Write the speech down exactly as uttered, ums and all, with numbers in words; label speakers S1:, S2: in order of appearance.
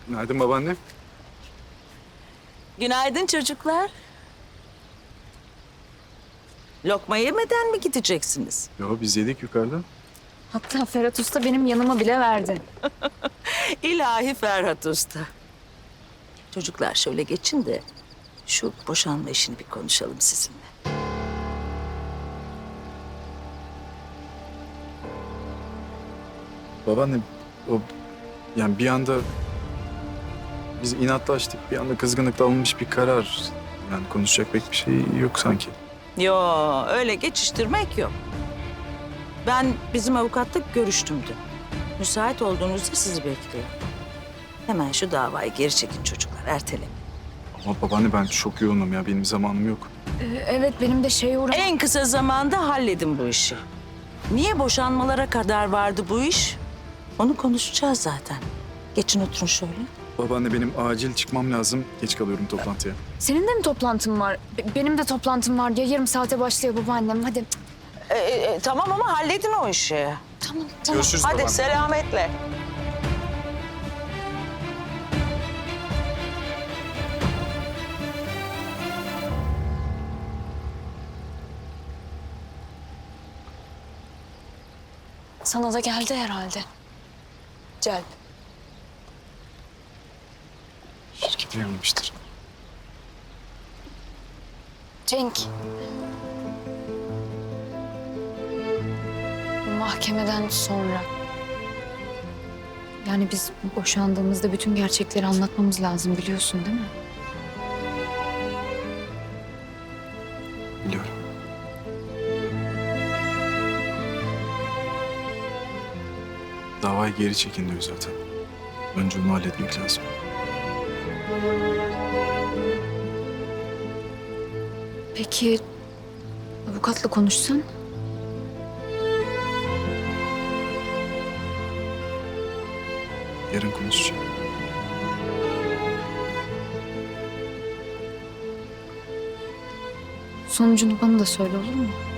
S1: Günaydın babaanne.
S2: Günaydın çocuklar. Lokma yemeden mi gideceksiniz?
S1: Yo biz yedik yukarıda.
S3: Hatta Ferhat Usta benim yanıma bile verdi.
S2: İlahi Ferhat Usta. Çocuklar şöyle geçin de şu boşanma işini bir konuşalım sizinle.
S1: Babaanne o yani bir anda biz inatlaştık. Bir anda kızgınlıkla alınmış bir karar. Yani konuşacak pek bir şey yok sanki.
S2: Yo, öyle geçiştirmek yok. Ben bizim avukatla görüştüm dün. Müsait olduğunuzda sizi bekliyor. Hemen şu davayı geri çekin çocuklar, erteleyin.
S1: Ama babaanne ben çok yoğunum ya. Benim zamanım yok.
S3: Ee, evet benim de şey uğra...
S2: En kısa zamanda halledin bu işi. Niye boşanmalara kadar vardı bu iş? Onu konuşacağız zaten. Geçin oturun şöyle.
S1: Babaanne benim acil çıkmam lazım. Geç kalıyorum toplantıya.
S3: Senin de mi toplantın var? Be- benim de toplantım var. Ya yarım saate başlıyor babaannem. Hadi.
S2: Ee, e, tamam ama halledin o işi.
S3: Tamam tamam.
S1: Görüşürüz
S2: Hadi
S1: babaanne.
S2: selametle.
S3: Sana da geldi herhalde. Celp.
S1: Şirkete yanılmıştır.
S3: Cenk. Mahkemeden sonra. Yani biz boşandığımızda bütün gerçekleri anlatmamız lazım biliyorsun değil mi?
S1: Biliyorum. Davayı geri çekin diyor zaten. Önce onu halletmek lazım.
S3: Peki avukatla konuşsan?
S1: Yarın konuşacağım.
S3: Sonucunu bana da söyle olur mu?